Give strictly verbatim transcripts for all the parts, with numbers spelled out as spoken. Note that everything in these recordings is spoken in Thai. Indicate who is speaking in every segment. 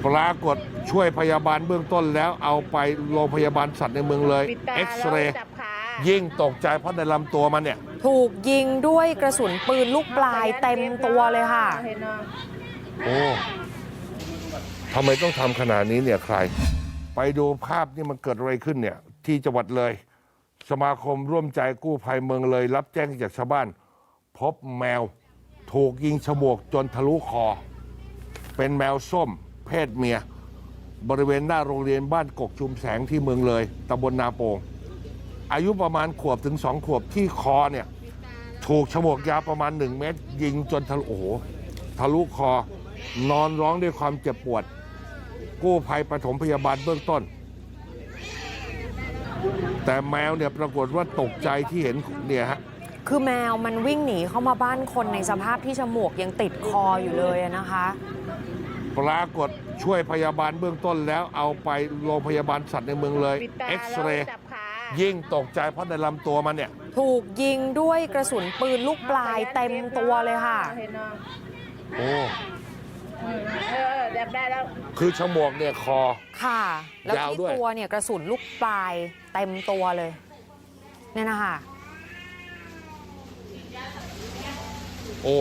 Speaker 1: ปรากฏช่วยพยาบาลเบื้องต้นแล้วเอาไปโรงพยาบาลสัตว์ในเมืองเลยเอ็กซเรย์ยิ่งตกใจเพราะในลำตัวมันเนี่ย
Speaker 2: ถูกยิงด้วยกระสุนปืนลูกปลายเต็มตัวเลยค่ะ
Speaker 1: โอ้ทำไมต้องทำขนาดนี้เนี่ยใครไปดูภาพนี่มันเกิดอะไรขึ้นเนี่ยที่จังหวัดเลยสมาคมร่วมใจกู้ภัยเมืองเลยรับแจ้งจากชาวบ้านพบแมวถูกยิงฉมวกจนทะลุคอเป็นแมวส้มเพศเมียบริเวณหน้าโรงเรียนบ้านกกชุมแสงที่เมืองเลยตำบลนาโป่งอายุประมาณขวบถึงสองขวบที่คอเนี่ยถูกฉมวกยาวประมาณหนึ่งเมตรยิงจนทะลุโอ้โหทะลุคอนอนร้องด้วยความเจ็บปวดกู้ภัยปฐมพยาบาลเบื้องต้นแต่แมวเนี่ยปรากฏว่าตกใจที่เห็นเนี่ยฮะ
Speaker 2: คือแมวมันวิ่งหนีเข้ามาบ้านคนในสภาพที่ฉมวกยังติดคออยู่เลยนะคะ
Speaker 1: ปรากฏช่วยพยาบาลเบื้องต้นแล้วเอาไปโรงพยาบาลสัตว์ในเมืองเลยเอ็กซเรย์ยิ่งตกใจเพราะในลำตัวมันเนี่ย
Speaker 2: ถูกยิงด้วยกระสุนปืนลูกปลายเต็มตัวเลยค่ะ
Speaker 1: โอ้
Speaker 3: เออเด็บได้แล้ว
Speaker 1: คือฉมวกเนี่ยคอ
Speaker 2: ค่ะแล้วที่ตัวเนี่ยกระสุนลูกปลายเต็มตัวเลยเนี่ยนะคะ
Speaker 1: โอ้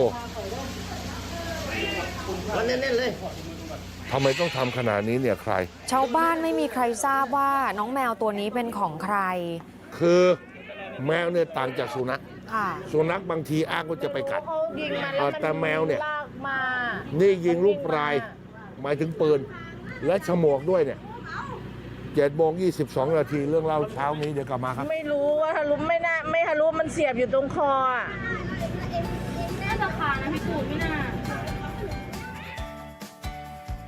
Speaker 3: เน้นๆเลย
Speaker 1: ทำไมต้องทำขนาดนี้เนี่ยใคร
Speaker 2: ชาวบ้านไม่มีใครทราบว่าน้องแมวตัวนี้เป็นของใคร
Speaker 1: คือแมวเนี่ยต่างจากสุนัขสุนัขบางทีอ้างว่าจะไปกัดแต่แมวเนี่ยนี่ยิงลูกปลายหมายถึงปืนและฉมวกด้วยเนี่ยเจ็ดโมงยี่สิบสองนาทีเรื่องเล่าเช้านี้เดี๋ยวกลับมาครับ
Speaker 3: ไม่รู้ว่าทะลุไม่น่าไม่ทะลุมันเสียบอยู่ตรงคออ่ะ
Speaker 4: เอ็มเอ็มน่าจะคานะพี่กูไม่น่า